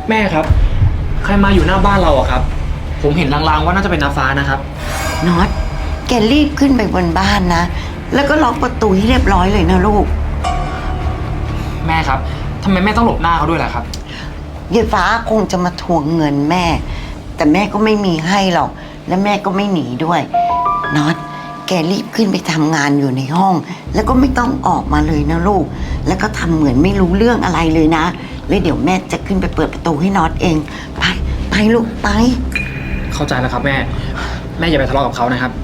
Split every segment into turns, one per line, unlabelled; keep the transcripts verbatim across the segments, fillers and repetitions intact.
แม่ครับใครมาอยู่หน้าบ้านเราอะครับผมเห็นลางๆว่าน่าจะเป็นน้าฟ้านะครับ
น็อตแกรีบขึ้นไปบนบ้านนะแล้วก็ล็อกประตูให้เรียบร้อยเลยนะลูก
แม่ครับทำไมแม่ต้องหลบหน้าเขาด้วยล่ะครับ
ยายฟ้าคงจะมาทวงเงินแม่แต่แม่ก็ไม่มีให้หรอกและแม่ก็ไม่หนีด้วยน็อตแกรีบขึ้นไปทำงานอยู่ในห้องแล้วก็ไม่ต้องออกมาเลยนะลูกแล้วก็ทำเหมือนไม่รู้เรื่องอะไรเลยนะแล้วเดี๋ยวแม่จะขึ้นไปเปิดประตูให้น็อตเองไปไปลูกไป
เข้าใจแล้วครับแม่แม่อย่าไปทะเลาะกับเขานะครับ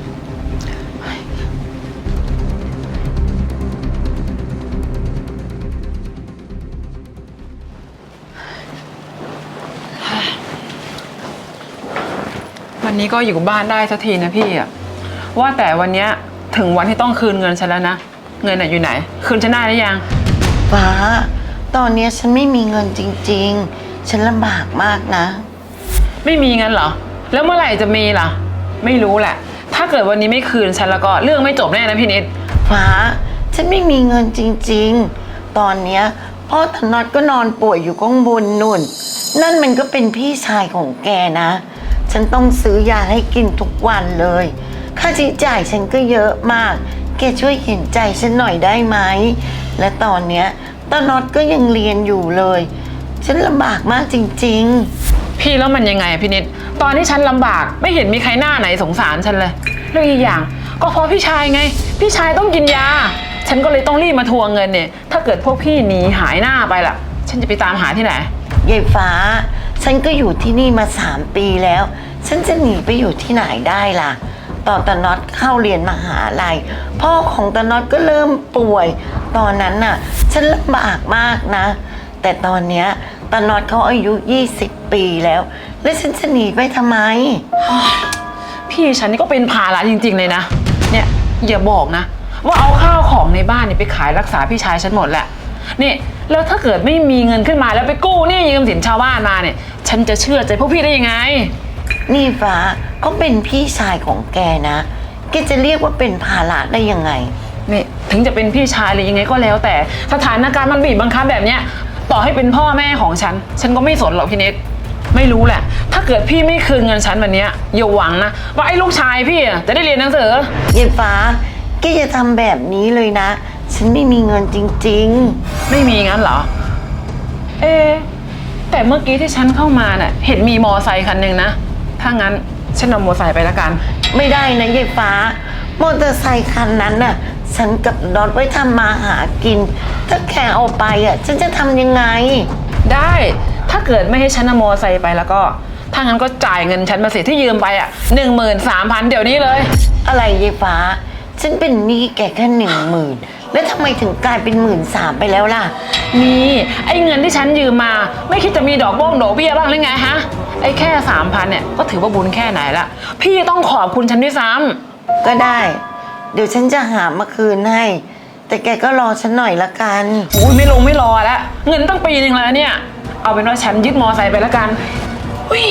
วันนี้ก็อยู่บ้านได้สักทีนะพี่อะว่าแต่วันนี้ถึงวันที่ต้องคืนเงินฉันแล้วนะเงินน่ะอยู่ไหนคืนฉันได้หรือยัง
ฟ้าตอนนี้ฉันไม่มีเงินจริงๆฉันลำบากมากนะ
ไม่มีเงินเหรอแล้วเมื่อไหร่จะมีล่ะไม่รู้แหละถ้าเกิดวันนี้ไม่คืนฉันแล้วก็เรื่องไม่จบแน่นะพี่นิด
ฟ้าฉันไม่มีเงินจริงๆตอนเนี้ยพ่อตาน็อตก็นอนป่วยอยู่ข้างบนนู่นนั่นมันก็เป็นพี่ชายของแกนะฉันต้องซื้อยาให้กินทุกวันเลยค่าใช้จ่ายฉันก็เยอะมากแกช่วยเห็นใจฉันหน่อยได้ไหมและตอนเนี้ยตาน็อตก็ยังเรียนอยู่เลยฉันลำบากมากจริงๆ
พี่แล้วมันยังไงอะพี่นิดตอนที่ฉันลำบากไม่เห็นมีใครหน้าไหนสงสารฉันเลยเรื่องอีกอย่างก็เพราะพี่ชายไงพี่ชายต้องกินยาฉันก็เลยต้องรีบมาทวงเงินเนี่ยถ้าเกิดพวกพี่หนีหายหน้าไปล่ะฉันจะไปตามหาที่ไหน
ยายฟ้าฉันก็อยู่ที่นี่มาสามปีแล้วฉันจะหนีไปอยู่ที่ไหนได้ล่ะตอนตาน็อตเข้าเรียนมหาลัยพ่อของตาน็อตก็เริ่มป่วยตอนนั้นน่ะฉันลำบากมากนะแต่ตอนเนี้ยตาน็อตเขาอายุยี่สิบปีแล้วแล้วฉันจะหนีไปทำไม
พี่ฉันนี่ก็เป็นภาระจริงๆเลยนะเนี่ยอย่าบอกนะว่าเอาข้าวของในบ้านนี่ไปขายรักษาพี่ชายฉันหมดแหละนี่แล้วถ้าเกิดไม่มีเงินขึ้นมาแล้วไปกู้หนี้ยืมสินชาวบ้านมาเนี่ยฉันจะเชื่อใจพวกพี่ได้ยังไง
นี่ฟ้าก็เป็นพี่ชายของแกนะแกจะเรียกว่าเป็นภาระได้ยังไง
นี่ถึงจะเป็นพี่ชายหรือยังไงก็แล้วแต่สถานการณ์มันบีบบังคับแบบเนี้ยต่อให้เป็นพ่อแม่ของฉันฉันก็ไม่สนหรอกพี่เนทไม่รู้แหละถ้าเกิดพี่ไม่คืนเงินฉันวันนี้อย่าหวังนะว่าไอ้ลูกชายพี่จะได้เรียนหนังสือ
เย็นฟ้าแกจะทำแบบนี้เลยนะฉันไม่มีเงินจริง
ๆไม่มีงั้นเหรอเอแต่เมื่อกี้ที่ฉันเข้ามาน่ะเห็นมีมอไซค์คันหนึ่งนะถ้างั้นฉันเอามอไซค์ไปแล้วกัน
ไม่ได้นะเย็นฟ้ามอเตอร์ไซค์คันนั้นน่ะฉันกับน็อตไว้ทำมาหากินถ้าแกเอาไปอ่ะฉันจะทำยังไง
ได้ถ้าเกิดไม่ให้ฉันเอามอไซค์ไปแล้วก็ถ้างั้นก็จ่ายเงินฉันมาสิที่ยืมไปอ่ะหนึ่งหมื่นสามพันเดี๋ยวนี้เลย
อะไรเย็นฟ้าฉันเป็นหนี้แกแค่หนึ่งหมื่นแล้วทำไมถึงกลายเป็นหมื่นสามไปแล้วล่ะ
นี่ไอ้เงินที่ฉันยืมมาไม่คิดจะมีดอกบ้งดอกเบี้ยบ้างหรือไงฮะไอ้แค่สามพันเนี่ยก็ถือว่าบุญแค่ไหนละพี่ต้องขอบคุณฉันด้วยซ้
ำก็ได้เดี๋ยวฉันจะหามาคืนให้แต่แกก็รอฉันหน่อยละกัน
อุ้ยไม่ลงไม่รอแล้วเงินตั้งปีหนึ่งแล้วเนี่ยเอาเป็นว่าฉันยึดมอไซค์ไปละกันอุ้ย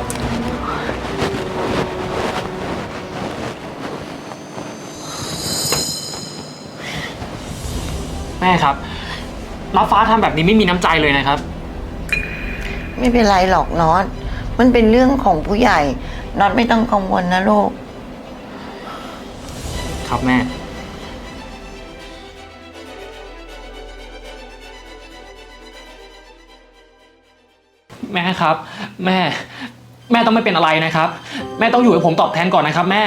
แม่ครับน้าฟ้าทำแบบนี้ไม่มีน้ำใจเลยนะครับ
ไม่เป็นไรหรอกน็อตมันเป็นเรื่องของผู้ใหญ่น็อตไม่ต้องกังวลนะลูก
ครับแม่แม่ครับแม่แม่ต้องไม่เป็นอะไรนะครับแม่ต้องอยู่ให้ผมตอบแทนก่อนนะครับแม่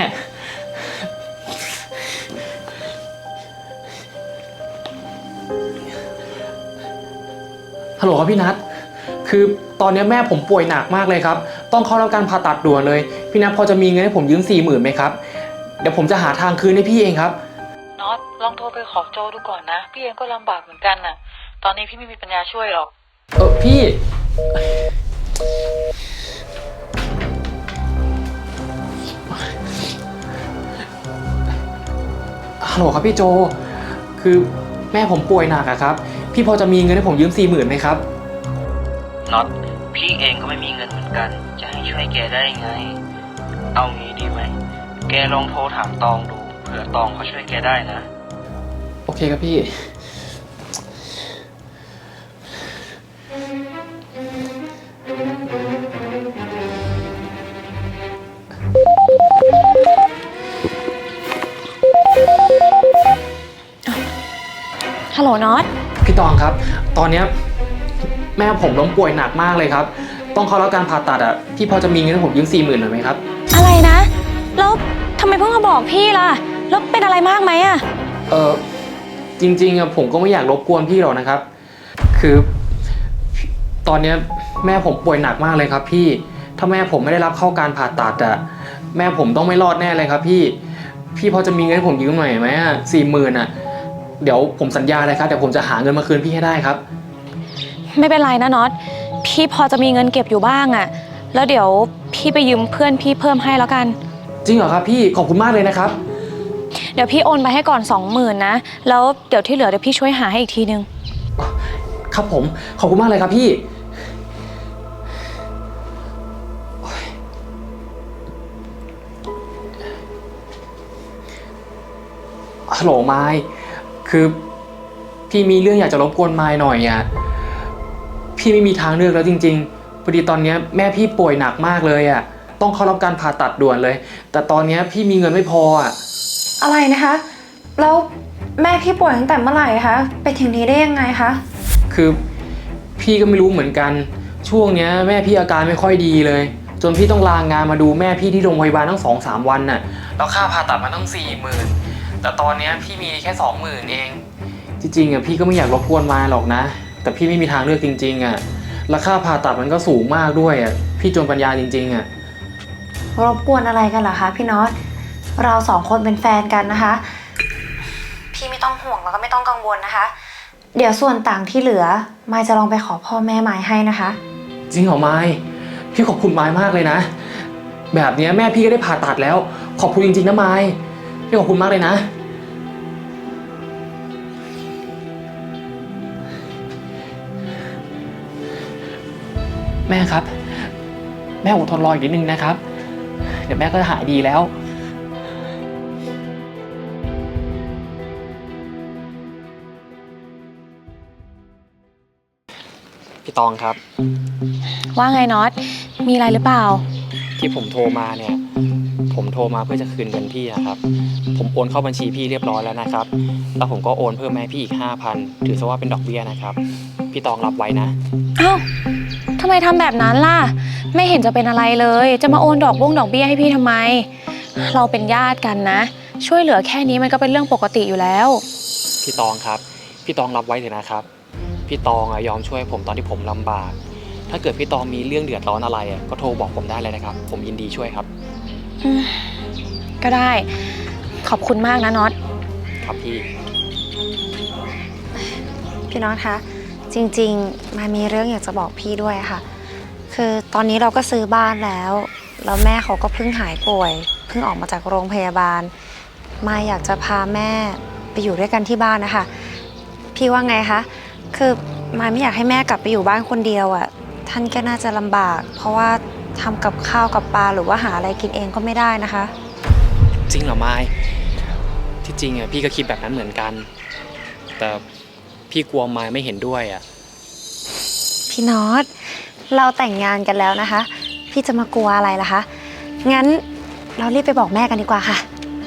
ฮัลโหลครับพี่นัทคือตอนนี้แม่ผมป่วยหนักมากเลยครับต้องเข้ารับการผ่าตัดด่วนเลยพี่นัทพอจะมีเงินให้ผมยืมสี่หมื่นไหมครับเดี๋ยวผมจะหาทางคืนให้พี่เองครับ
น็อตลองโทรไปขอโจดูก่อนนะพี่เองก็ลำบากเหมือนกันน่ะตอนนี้พี่ไม่มีปัญญาช่วยหรอก
เออพี่ฮัลโหลครับพี่โจคือแม่ผมป่วยหนักอะครับพี่พอจะมีเงินให้ผมยืมสี่หมื่นไหมครับ
น็อตพี่เองก็ไม่มีเงินเหมือนกันจะให้ช่วยแกได้ไงเอางี้ดีไหมแกลองโทรถามตองดูเผื่อตองเขาช่วยแกได้นะ
โอเคครับพี่
น็อต
พี่ตองครับ ตอนเนี้ยแม่ผมล้มป่วยหนักมากเลยครับ ต้องเข้ารับการผ่าตัดอ่ะ พี่พอจะมีเงินให้ผมยืมสี่หมื่นหน่อยไหมครับ
อะไรนะ แล้วทำไมเพิ่งมาบอกพี่ล่ะ แล้วเป็นอะไรมากไหมอะ
เออจริงๆอะผมก็ไม่อยากรบกวนพี่หรอกนะครับ คือตอนเนี้ยแม่ผมป่วยหนักมากเลยครับพี่ ถ้าแม่ผมไม่ได้รับเข้าการผ่าตัดอะแม่ผมต้องไม่รอดแน่เลยครับพี่ พี่พอจะมีเงินให้ผมยืมหน่อยไหมอะสี่หมื่นอะเดี๋ยวผมสัญญาเลยครับเดี๋ยวผมจะหาเงินมาคืนพี่ให้ได้ครับ
ไม่เป็นไรนะน็อต พี่พอจะมีเงินเก็บอยู่บ้างอะแล้วเดี๋ยวพี่ไปยืมเพื่อนพี่เพิ่มให้แล้วกัน
จริงเหรอครับพี่ขอบคุณมากเลยนะครับ
เดี๋ยวพี่โอนไปให้ก่อนสองหมื่นนะ แล้วเดี๋ยวที่เหลือเดี๋ยวพี่ช่วยหาให้อีกทีนึง
ครับผมขอบคุณมากเลยครับพี่ฮัลโหลไมค์คือพี่มีเรื่องอยากจะรบกวนไมค์หน่อยอ่ะพี่ไม่มีทางเลือกแล้วจริงๆพอดีตอนนี้แม่พี่ป่วยหนักมากเลยอ่ะต้องเข้ารับการผ่าตัดด่วนเลย แต่ตอนนี้พี่มีเงินไม่พออ่ะ
อะไรนะคะ แล้วแม่พี่ป่วยตั้งแต่เมื่อไหร่คะไปถึงนี้ได้ยังไงคะ
คือพี่ก็ไม่รู้เหมือนกันช่วงเนี้ยแม่พี่อาการไม่ค่อยดีเลย จนพี่ต้องลางานมาดูแม่พี่ที่โรงพยาบาลตั้งสองสามวันน่ะแล้วค่าผ่าตัดมาตั้งสี่หมื่นแต่ตอนเนี้ยพี่มีแค่สองหมื่นเองจริงๆอ่ะพี่ก็ไม่อยากรบกวนมาหรอกนะ แต่พี่ไม่มีทางเลือกจริงๆอ่ะแล้วค่าผ่าตัดมันก็สูงมากด้วยอ่ะพี่จนปัญญาจริงๆอ่ะ
รบกวนอะไรกันเหรอคะพี่น็อต เราสองคนเป็นแฟนกันนะคะ พี่ไม่ต้องห่วงแล้วก็ไม่ต้องกังวลนะคะ เดี๋ยวส่วนต่างที่เหลือมายจะลองไปขอพ่อแม่มายให้นะคะ
จริงเหรอไมค์พี่ขอบคุณไมค์มากเลยนะแบบเนี้ยแม่พี่ก็ได้ผ่าตัดแล้วขอบคุณจริงๆนะไมค์พี่ขอบคุณมากเลยนะแม่ครับแม่อดทนรออีกนิดนึงนะครับเดี๋ยวแม่ก็จะหายดีแล้วพี่ตองครับ
ว่าไงน็อต มีอะไรหรือเปล่า
ที่ผมโทรมาเนี่ยผมโทรมาเพื่อจะคืนเงินพี่นะครับผมโอนเข้าบัญชีพี่เรียบร้อยแล้วนะครับแล้วผมก็โอนเพิ่มให้พี่อีกห้าพันถือซะว่าเป็นดอกเบี้ยนะครับพี่ตองรับไว้นะ
เอ้าทำไมทำแบบนั้นล่ะ ไม่เห็นจะเป็นอะไรเลย จะมาโอนดอกบ้งดอกเบี้ยให้พี่ทำไม เราเป็นญาติกันนะ ช่วยเหลือแค่นี้มันก็เป็นเรื่องปกติอยู่แล้ว
พี่ตองครับพี่ตองรับไว้เถอะนะครับพี่ตองยอมช่วยผมตอนที่ผมลำบากถ้าเกิดพี่ตองมีเรื่องเดือดร้อนอะไรก็โทรบอกผมได้เลยนะครับผมยินดีช่วยครับ
อืมก็ได้ ขอบคุณมากนะน็อต
ครับพี่
พี่น็อตคะ จริงๆมายมีเรื่องอยากจะบอกพี่ด้วยค่ะ คือตอนนี้เราก็ซื้อบ้านแล้ว แล้วแม่เขาก็เพิ่งหายป่วย เพิ่งออกมาจากโรงพยาบาล มายอยากจะพาแม่ไปอยู่ด้วยกันที่บ้านนะคะ พี่ว่าไงคะ คือมายไม่อยากให้แม่กลับไปอยู่บ้านคนเดียวอ่ะ ท่านก็น่าจะลำบาก เพราะว่าทำกับข้าวกับปลาหรือว่าหาอะไรกินเองก็ไม่ได้นะคะ
จริงเหรอไมค์ที่จริงอ่ะพี่ก็คิดแบบนั้นเหมือนกัน แต่พี่กลัวไมค์ไม่เห็นด้วยอ่ะ
พี่น็อต เราแต่งงานกันแล้วนะคะ พี่จะมากลัวอะไรล่ะคะ งั้นเรารีบไปบอกแม่กันดีกว่าค่ะ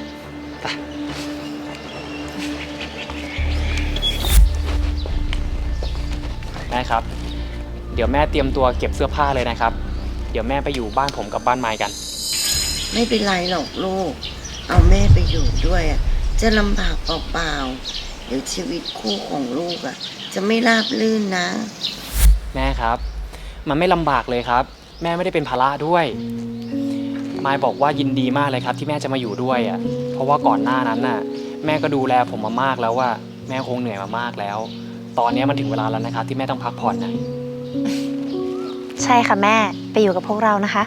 แม่ครับเดี๋ยวแม่เตรียมตัวเก็บเสื้อผ้าเลยนะครับเดี๋ยวแม่ไปอยู่บ้านผมกับบ้านไมค์กัน
ไม่เป็นไรหรอกลูก เอาแม่ไปอยู่ด้วยอะจะลำบากเปล่าๆเดี๋ยวชีวิตคู่ของลูกอะจะไม่ราบรื่นนะ
แม่ครับมันไม่ลำบากเลยครับแม่ไม่ได้เป็นภาระด้วยมายบอกว่ายินดีมากเลยครับที่แม่จะมาอยู่ด้วยอ่ะเพราะว่าก่อนหน้านั้นน่ะแม่ก็ดูแลผมมามากแล้วว่าแม่คงเหนื่อยมามากแล้ว ตอนนี้มันถึงเวลาแล้วนะครับที่แม่ต้องพักผ่อนนะ
ใช่ค่ะแม่ ไปอยู่กับพวกเรานะคะ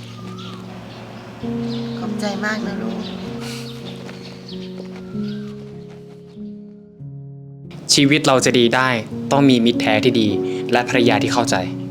ขอบใจมากนะลูก
ชีวิตเราจะดีได้ต้องมีมิตรแท้ที่ดีและภรรยาที่เข้าใจ